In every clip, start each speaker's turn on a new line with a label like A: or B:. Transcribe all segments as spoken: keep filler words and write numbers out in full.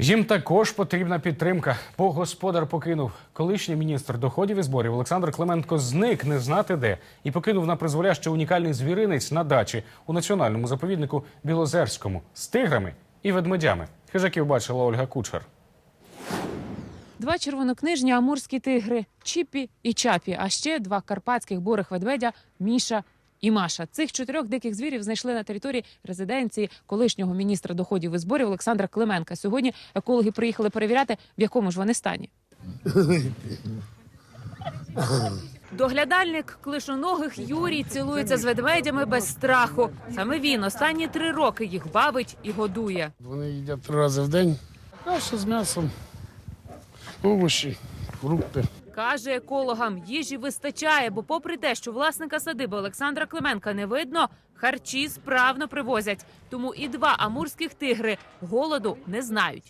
A: Їм також потрібна підтримка, бо господар покинув. Колишній міністр доходів і зборів Олександр Клименко зник не знати де і покинув на призволяще унікальний звіринець на дачі у національному заповіднику Білозерському з тиграми і ведмедями. Хижаків бачила Ольга Кучер.
B: Два червонокнижні амурські тигри – Чіпі і Чапі, а ще два карпатських бурих ведмедя – Міша і Маша. Цих чотирьох диких звірів знайшли на території резиденції колишнього міністра доходів і зборів Олександра Клименка. Сьогодні екологи приїхали перевіряти, в якому ж вони стані. Доглядальник клишоногих Юрій цілується з ведмедями без страху. Саме він останні три роки їх бавить і годує.
C: Вони їдять три рази в день. Каша з м'ясом, овочі, фрукти.
B: Каже, екологам їжі вистачає, бо попри те, що власника садиби Олександра Клименка не видно, харчі справно привозять. Тому і два амурських тигри голоду не знають.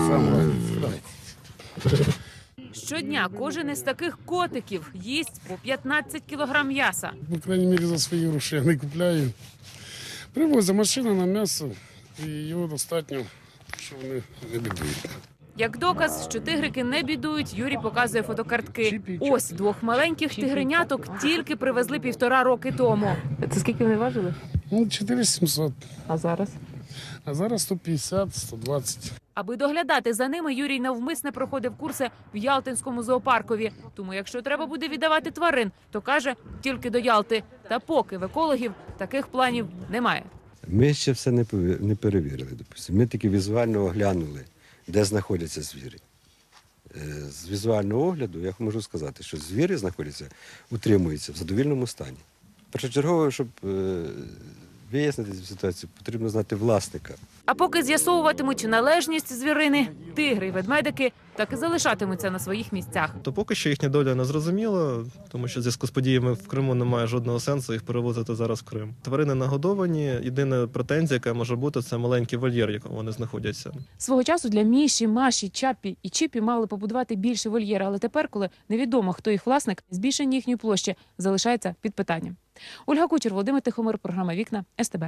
B: Щодня кожен із таких котиків їсть по п'ятнадцять кілограм м'яса.
C: По крайній мірі за свої гроші я не купляю. Привозять машина на м'ясо і його достатньо, що вони не бідують.
B: Як доказ, що тигрики не бідують, Юрій показує фотокартки. Ось двох маленьких тигреняток тільки привезли півтора роки тому. Це скільки вони важили?
C: Ну, чотири тисячі сімсот.
B: А зараз?
C: А зараз сто п'ятдесят - сто двадцять.
B: Аби доглядати за ними, Юрій навмисне проходив курси в Ялтинському зоопаркові. Тому якщо треба буде віддавати тварин, то каже, тільки до Ялти. Та поки в екологів таких планів немає.
D: Ми ще все не пові- не перевірили. Допустимо. Ми тільки візуально оглянули, де знаходяться звірі. Е, З візуального огляду я можу сказати, що звірі знаходяться, утримуються в задовільному стані. Першочергово, щоб е, вияснити цю ситуацію, потрібно знати власника.
B: А поки з'ясовуватимуть належність звірини, тигри й ведмедики так і залишатимуться на своїх місцях.
E: То поки що їхня доля не зрозуміла, тому що в зв'язку з подіями в Криму немає жодного сенсу їх перевозити зараз в Крим. Тварини нагодовані. Єдина претензія, яка може бути, це маленький вольєр, в якому вони знаходяться.
B: Свого часу для Міші, Маші, Чапі і Чіпі мали побудувати більше вольєр, але тепер, коли невідомо, хто їх власник, збільшення їхньої площі залишається під питанням. Ольга Кучер, Володимир Тихомир, програма «Вікна», ес те бе.